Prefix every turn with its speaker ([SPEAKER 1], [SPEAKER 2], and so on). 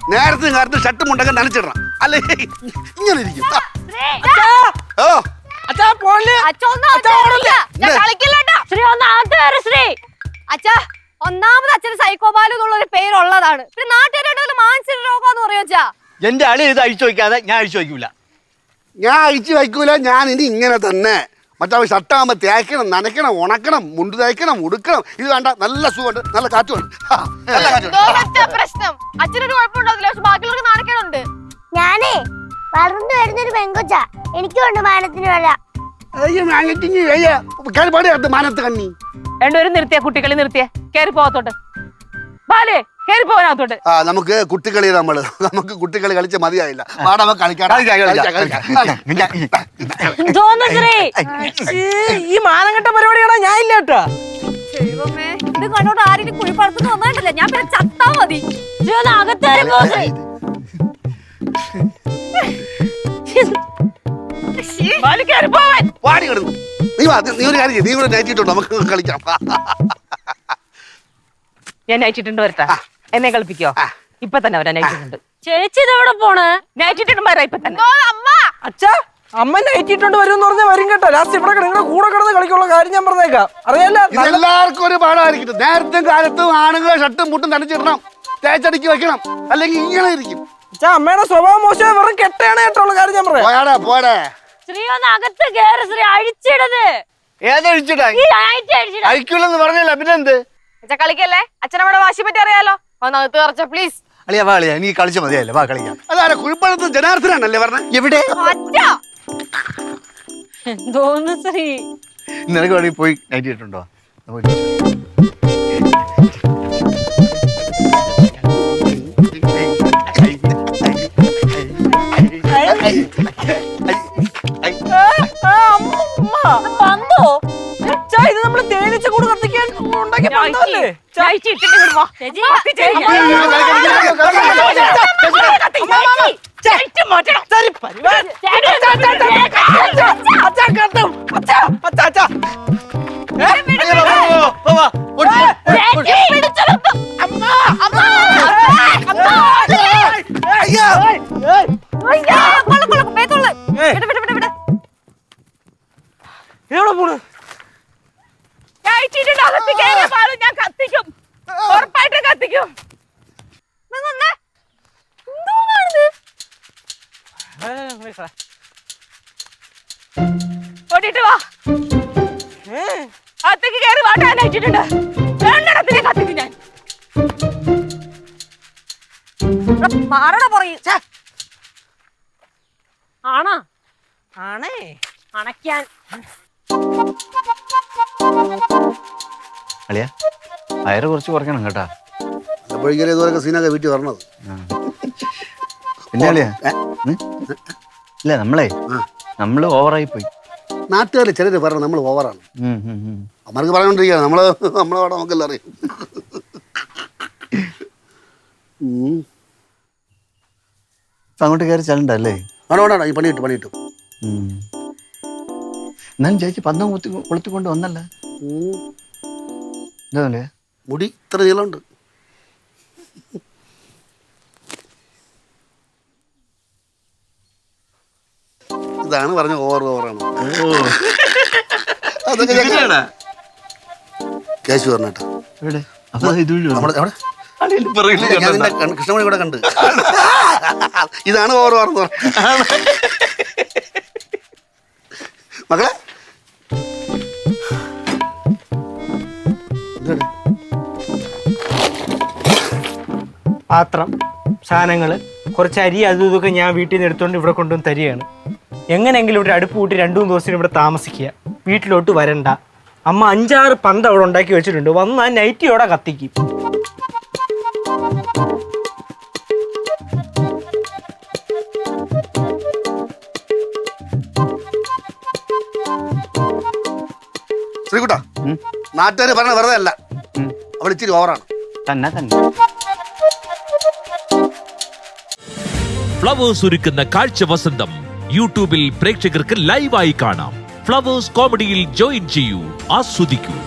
[SPEAKER 1] നേരത്തെ കാലത്ത് ഷർട്ടും മുണ്ടൊക്കെ നനച്ചിടണം അല്ലെ ഇങ്ങനെ ഇരിക്കും.
[SPEAKER 2] ഒന്നാമത് അച്ഛന് സൈക്കോപാലു എന്നുള്ളൊരു പേരുള്ളതാണ്. പിന്നെ നാട്ടുകാരുടെ മാനസിക രോഗം എന്ന് പറയാ.
[SPEAKER 3] എന്റെ അളി ഇത് അഴിച്ചു വയ്ക്കാതെ ഞാൻ അഴിച്ചു വയ്ക്കൂല.
[SPEAKER 1] ഞാൻ അഴിച്ചു വയ്ക്കൂല. ഞാൻ ഇനി ഇങ്ങനെ തന്നെ. മറ്റേ ഷർട്ടാകുമ്പോ തേക്കണം, നനയ്ക്കണം, ഉണക്കണം, മുണ്ട് തേക്കണം, ഉടുക്കണം. ഇത് വേണ്ട, നല്ല സുഖമുണ്ട്, നല്ല കാറ്റുണ്ട്.
[SPEAKER 2] പ്രശ്നം അച്ഛനൊരു കുഴപ്പമുണ്ടാവില്ല, പക്ഷെ ബാക്കിയുള്ളവർക്ക് നാണക്കേടുണ്ട്.
[SPEAKER 4] ഞാനേ വളർന്നു വരുന്നൊരു പെങ്കൊച്ച, എനിക്കുണ്ട് മാനത്തിന് വില.
[SPEAKER 1] മാനത്ത് കണ്ണി
[SPEAKER 5] രണ്ടുപേരും നിർത്തിയ കുട്ടികളി നിർത്തിയ കേറി പോകത്തോട്ട് ബാലേ കേറി പോകാത്തോട്ട്.
[SPEAKER 1] നമുക്ക് കുട്ടികളി നമുക്ക് കുട്ടികളി കളിച്ച് മതിയായില്ല.
[SPEAKER 6] ഈ മാനംകെട്ട പരിപാടിയാണോ ഞാൻ ഇല്ല കേട്ടോ.
[SPEAKER 2] ദൈവമേ, ഇത് കണ്ടോട്ട് ആരെങ്കിലും കുഴിപ്പടത്തുനിന്ന് വന്നിട്ടില്ല. ഞാൻ പിന്നെ ചത്താ മതി.
[SPEAKER 1] നീ ഒരു കാര്യം നീ കൂടെ നയിച്ചിട്ടുണ്ടോ? നമുക്ക് കളിക്കാം.
[SPEAKER 5] ഞാൻ നയിച്ചിട്ടുണ്ട് വരട്ടെ, എന്നെ കളിപ്പിക്കോ? ഇപ്പൊ തന്നെ അവരാ നയിച്ചിട്ടുണ്ട്.
[SPEAKER 2] ചേച്ചി ഇതെവിടെ പോണ്?
[SPEAKER 5] നയിച്ചിട്ടുണ്ട് ഇപ്പൊ തന്നെ.
[SPEAKER 6] അച്ഛാ അമ്മ നയിച്ചിട്ടുണ്ട് വരും എന്ന് പറഞ്ഞാൽ വരും കേട്ടോ. ലാസ്റ്റ് ഇവിടെ നിങ്ങളുടെ കൂടെ കിടന്ന് കളിക്കുള്ള കാര്യം ഞാൻ പറഞ്ഞേക്കാം. അറിയാലോ
[SPEAKER 1] എല്ലാവർക്കും ഒരു പാടായിരിക്കും. നേരത്തെ കാലത്തും ആണുങ്ങൾ ഷർട്ടും മുട്ടും നനച്ചിടണം, തേച്ചടിക്ക് വെക്കണം, അല്ലെങ്കിൽ ഇങ്ങനെ ഇരിക്കും.
[SPEAKER 6] അച്ഛാ അമ്മയുടെ സ്വഭാവം മോശം വെറും കെട്ടയാണ് കേട്ടുള്ള കാര്യം ഞാൻ പറയാം.
[SPEAKER 1] പോയാടാ പോടെ.
[SPEAKER 2] ശ്രീ ഒന്ന് അകത്ത് കേറ് ശ്രീ. അഴിച്ചിടത്.
[SPEAKER 3] ഏതഴിച്ചിടാ? അഴിക്കൂലെന്ന് പറഞ്ഞല്ല പിന്നെന്ത്?
[SPEAKER 2] അച്ഛാ കളിക്കല്ലേ, അച്ഛനമ്മടെ വാശി പറ്റി അറിയാലോ. ഒന്ന് അകത്ത് കറച്ച പ്ലീസ്.
[SPEAKER 3] അളിയാ വാ അളിയാ, നീ കളിച്ച മതിയല്ലേ, വാ കളിക്കാം.
[SPEAKER 1] അതാരാ കുഴിപ്പഴത്ത് ജനാർദ്ദനാണല്ലേ പറഞ്ഞ?
[SPEAKER 3] എവിടെ
[SPEAKER 2] എന്തോന്ന് ശ്രീ?
[SPEAKER 3] നിനക്ക് വേണമെങ്കിൽ പോയി നൈറ്റ് ഇട്ടുണ്ടോ?
[SPEAKER 6] ഇത് നമ്മള് തേനീച്ച കൂട് കത്തിക്കാൻ ഉണ്ടാക്കിയ പന്തല്ലേ? എവിടെ പോണ്?
[SPEAKER 5] ഞാൻ കത്തിക്കും, ഉറപ്പായിട്ട് കത്തിക്കും. ഓടിട്ട് വാ, അകത്തേക്ക് കയറി വാട്ടാൻ അയച്ചിട്ടുണ്ട്. രണ്ടെണ്ണത്തിനെ കത്തിക്കും ഞാൻ.
[SPEAKER 2] ആണാ
[SPEAKER 6] ആണേ
[SPEAKER 2] അണയ്ക്കാൻ.
[SPEAKER 3] അളിയാ വയറ് കുറച്ച് കുറയ്ക്കണം കേട്ടാ.
[SPEAKER 1] ഇതുവരെ സീനൊക്കെ വീട്ടിൽ വരണത്.
[SPEAKER 3] പിന്നെ അളിയാ ഇല്ല നമ്മള് ഓവറായി പോയി.
[SPEAKER 1] നാട്ടുകാർ ചിലര് പറഞ്ഞു നമ്മൾ ഓവറാണ്. അമ്മർക്ക് പറഞ്ഞോണ്ടിരിക്കുക നമ്മളവിടെ നമുക്കെല്ലാം അറിയാം.
[SPEAKER 3] അങ്ങോട്ട് കയറി ചെല്ലണ്ടല്ലേ?
[SPEAKER 1] വേണ്ട ഈ പണി കിട്ടും.
[SPEAKER 3] എന്നാലും ചേച്ചി പന്തം കൊളുത്തിക്കൊണ്ട് വന്നല്ല. എന്താ
[SPEAKER 1] മുടി ഇത്ര നീളമുണ്ട്. ഇതാണ് പറഞ്ഞ ഓവറാണ്. കേശു പറഞ്ഞേട്ടാ കൃഷ്ണമണി കൂടെ കണ്ട്. ഇതാണ് ഓവറെന്ന് പറഞ്ഞ മക്കളെ.
[SPEAKER 6] പാത്രം സാധനങ്ങള് കുറച്ച് അരി അതും ഇതൊക്കെ ഞാൻ വീട്ടിൽ നിന്ന് എടുത്തുകൊണ്ട് ഇവിടെ കൊണ്ടുവന്ന് തരികയാണ്. എങ്ങനെയെങ്കിലും ഇവിടെ അടുപ്പ് കൂട്ടി 2-3 ദിവസത്തിന് ഇവിടെ താമസിക്കുക, വീട്ടിലോട്ട് വരണ്ട. അമ്മ 5-6 പന്ത് അവിടെ ഉണ്ടാക്കി വെച്ചിട്ടുണ്ട്, വന്ന് ആ നൈറ്റിയോടെ കത്തിക്കും.
[SPEAKER 1] ശ്രീകുട്ടാ, നാട്ടുകാര് പറഞ്ഞ വെറുതെ അല്ല, അവൾ ഇച്ചിരി ഓവറാണ്.
[SPEAKER 3] തന്നെ
[SPEAKER 7] ഫ്ലവേഴ്സ് ഒരുക്കുന്ന കാഴ്ച വസന്തം യൂട്യൂബിൽ പ്രേക്ഷകർക്ക് ലൈവായി കാണാം. ഫ്ലവേഴ്സ് കോമഡിയിൽ ജോയിൻ ചെയ്യൂ, ആസ്വദിക്കൂ.